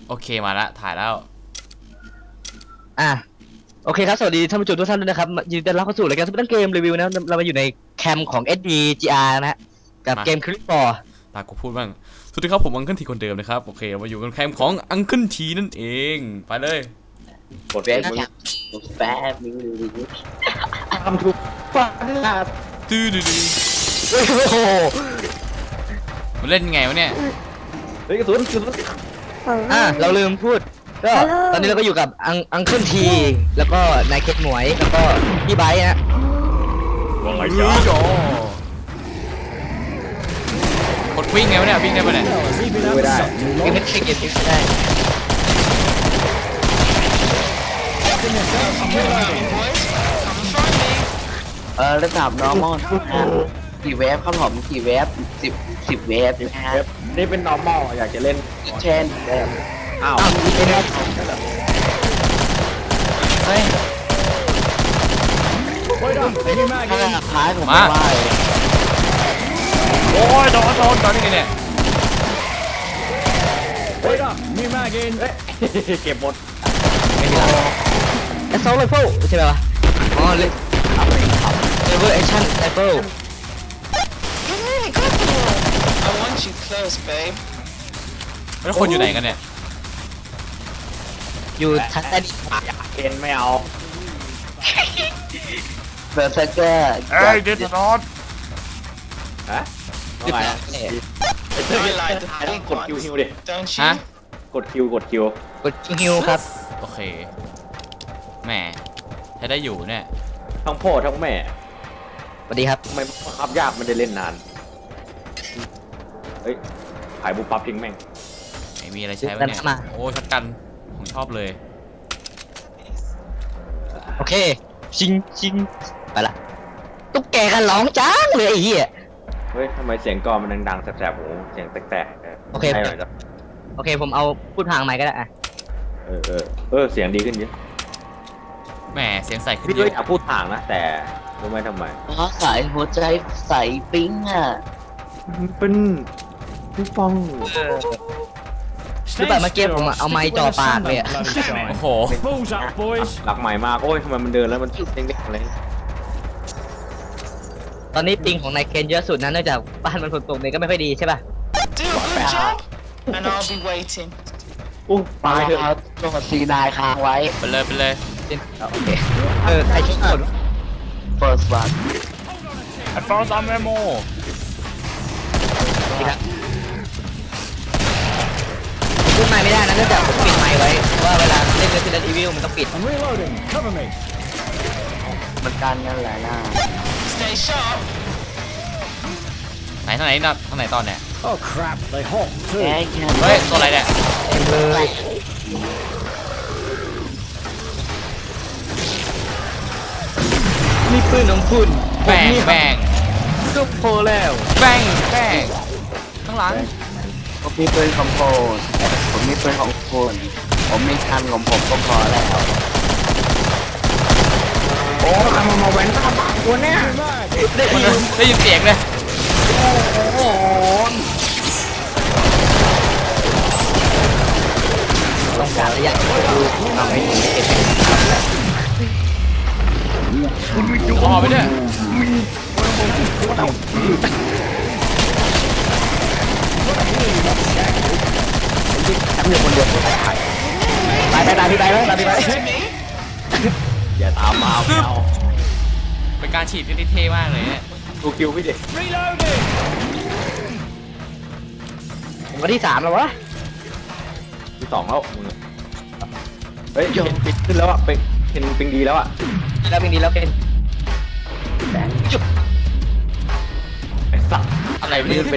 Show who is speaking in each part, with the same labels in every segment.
Speaker 1: โอเคมาละถ่ายแล้ว
Speaker 2: โอเคครับสวัสดีท่านผู้ชมทุกท่านด้วยนะครับยินดีต้อนรับเข้าสู่รายการสเปนเกมรีวิวนะเรามาอยู่ในแคมป์ของ SDGR นะฮะกับเกมคลิปบอร์
Speaker 1: ตากูพูดบ้างสวัสดีครับผมอังเคิลทีคนเดิมนะครับโอเคมาอยู่กันแคมป์ของอังเคิลทีนั่นเองไปเลย
Speaker 3: กดแป๊บมึงแป๊บมึงทำถูกฟาด
Speaker 1: ตื้อ
Speaker 2: โอ้โห
Speaker 1: มันเล่นไงวะเนี่ย
Speaker 3: เฮ้ยกระสุน
Speaker 2: เราลืมพูดก็ตอนนี้เราก็อยู่กับอังเคิลทีแล้วก็นายเก็ตหมวยแล้วก็พี่ไบค์ฮะ
Speaker 1: ว่าไงจ๊ะกดวิ่งไงวะเนี่ยวิ่งได้ปะเนี่ย
Speaker 3: ไม่ได้
Speaker 2: ไม่ใช่เกมที่ได้
Speaker 3: ระดับ normal กี่เวฟครับผมกี่เวฟสิบเวฟนะฮะนี่เป็น normal อยากจะเล่นเช่นอ้าวเฮ้ยถ้าท้ายผมไม่ได้
Speaker 1: โอ้ยโดนตอนนี้เนี่ย
Speaker 3: มีมากกินเก็บหมด
Speaker 2: ไม่มีแล้วแอสโซลไรเฟิลใช่ไหมวะอ๋อเลเวอร์แอคชั่นไรเฟิล
Speaker 1: แล้วคนอยู่ไหนกันเนี่ย
Speaker 2: อยู่ทัศน์
Speaker 3: เอ็นไม่เอาเบอร์เซอร์เกอร์
Speaker 1: เดดนอต
Speaker 3: ฮะอะไรกดคิวดิ
Speaker 1: ฮะ
Speaker 3: กดคิว
Speaker 2: กดฮิวครับ
Speaker 1: โอเคแหมใช้ได้อยู่เนี่ย
Speaker 3: ทั้งพ่อทั้งแม่
Speaker 2: สวัสดีครับ
Speaker 3: ทำไมขับยากมันได้เล่นนานเฮ้ยขายบุปผาทิ้งแม่ง
Speaker 1: ไม่มีอะไรใช้ไหมเนี่ยโอ้ช็อตกันผมชอบเลย
Speaker 2: โอเคชิงไปละตุ๊กแกกันร้องจ้างเลยไอ้เหี้ย
Speaker 3: เฮ้ยทำไมเสียงกลอนมันดังๆแสบๆหูเสียงแตกๆ
Speaker 2: โอเคผมเอาพูดทางไมค์ก็ได้อะ
Speaker 3: เสียงดีขึ้นเยอะ
Speaker 1: แหมเสียงใสขึ้น
Speaker 3: เยอะอยากพูดทางนะแต่รู้ไหมทำไม
Speaker 4: สายหัวใจใสปิ๊งอ่ะ
Speaker 3: เป็นพี่ฟอง
Speaker 2: คือแบบเมื่อกี้ผมเอาไม้จ่อปากเลย
Speaker 1: โอ้โห
Speaker 3: หลักใหม่มากโอ้ยทำไมมันเดินแล้วมันเด้งๆอะไร
Speaker 2: ตอนนี้ปิงของนายเคนเยอะสุดนะเนื่องจากบ้านมันฝนตกเนี่ยก็ไม่ค่อยดีใช่ป่ะ
Speaker 4: ไปเถอะตัวซีนายค้างไว้
Speaker 1: ไปเลย
Speaker 2: โอเคใครชุดคน
Speaker 4: first one
Speaker 1: advance ammo
Speaker 2: พูดไมค์ไม่ได้นะเนื่องจากผมปิดไมค์ไว้ว่าเวลาเล่น Resident Evil มันต้องปิด
Speaker 4: มันการนั่นแหละนะ
Speaker 1: ไหนทางไหนนะทางไหนตอนเนี่ย
Speaker 4: แก
Speaker 1: เฮ้ยตัวอะไรเนี่ย
Speaker 2: เลยนี่ปืนของคุณ
Speaker 1: แบ่ง
Speaker 2: ก็พอแล้ว
Speaker 1: แบ่งข้างหลัง
Speaker 4: ผมมีปืนของผมมีปืนของคุณผมมีคันของผมก็พอแล้ว
Speaker 3: โอ้ทำมาแหวนตาบางตัวเนี้ย
Speaker 1: ได้ยินเสียงเลย
Speaker 2: โอ้ต้องการระยะดูทำให้ถึงเอฟเฟกต์
Speaker 1: อ๋อไปเนี่ย
Speaker 2: ทำอยู่คนเดียวตายพี่ไป
Speaker 3: อย่าตามมา
Speaker 1: เป็นการฉีดที่เท่มากเลยเนี่ย
Speaker 3: ดูคิวพี่เด็ก
Speaker 2: ผมก็ที่3แล้ววะ
Speaker 3: ที่2แล้วมึงเฮ้ยปิดขึ้นแล้วอ่ะเป็นดีแล้วอ่ะ
Speaker 2: แล้วเป็นจุ๊บ
Speaker 3: ไอ้สัตว์
Speaker 1: อะไรไม่รู้เป็น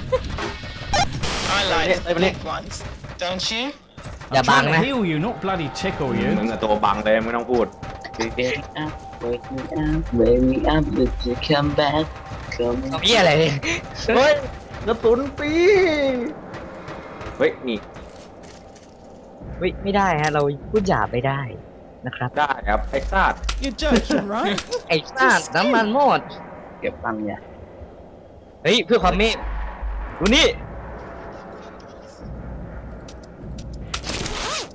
Speaker 2: อย่าบังนะ
Speaker 3: มึงตัวบังเลยไม่ต้องพูด
Speaker 4: Wake me up to come back
Speaker 2: เอาพี่อะไร
Speaker 3: เฮ้ยกระสุนปีเฮ้ยนี่
Speaker 2: ไม่ได้ฮะเราพูดหยาบไม่ได้นะครับ
Speaker 3: ได้ครับไอ้ซาด
Speaker 2: ไอ้ซาดน้ำมันหมด
Speaker 4: เก็บตังค์เนี่ย
Speaker 2: เฮ้ยเพื่อความเมตดูนี่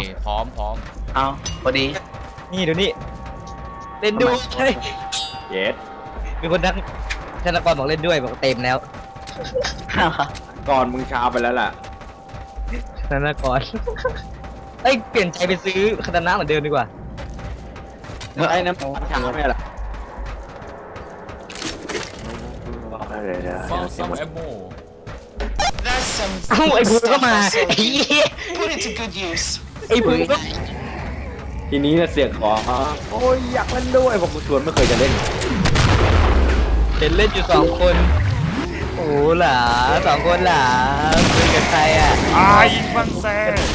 Speaker 1: พร้อม
Speaker 3: เอาพอดี
Speaker 2: นี่ดูนี่เล่นด้วยเฮ้ย
Speaker 5: เย็ด
Speaker 2: มีคนทักธนากรบอกเล่นด้วยบอกเต็มแล้ว
Speaker 5: ก่อนมึงช้าไปแล้วล่ะ
Speaker 2: ธนากรเอ้ยเปลี่ยนใจไปซื้อคาตานะเหมือนเดิมดีกว่า
Speaker 5: ไอ้น้ำช้าไม่ล่ะ
Speaker 1: ฟาวซัมแอมโม
Speaker 2: เอ้าไอ้บูก็มาไอ้เหี้ย
Speaker 6: Put it to good use.
Speaker 2: ไอ้บูก็
Speaker 5: ทีนี้เสียงขอโอ้ยอยากเล่นด้วยผมชวนไม่เคยจะเล่น
Speaker 2: เห็นเล่นอยู่สองคนโอ้หล่ะสองคนหล่ะคุยกับใครอ่ะ
Speaker 1: อายิงฟันแซ่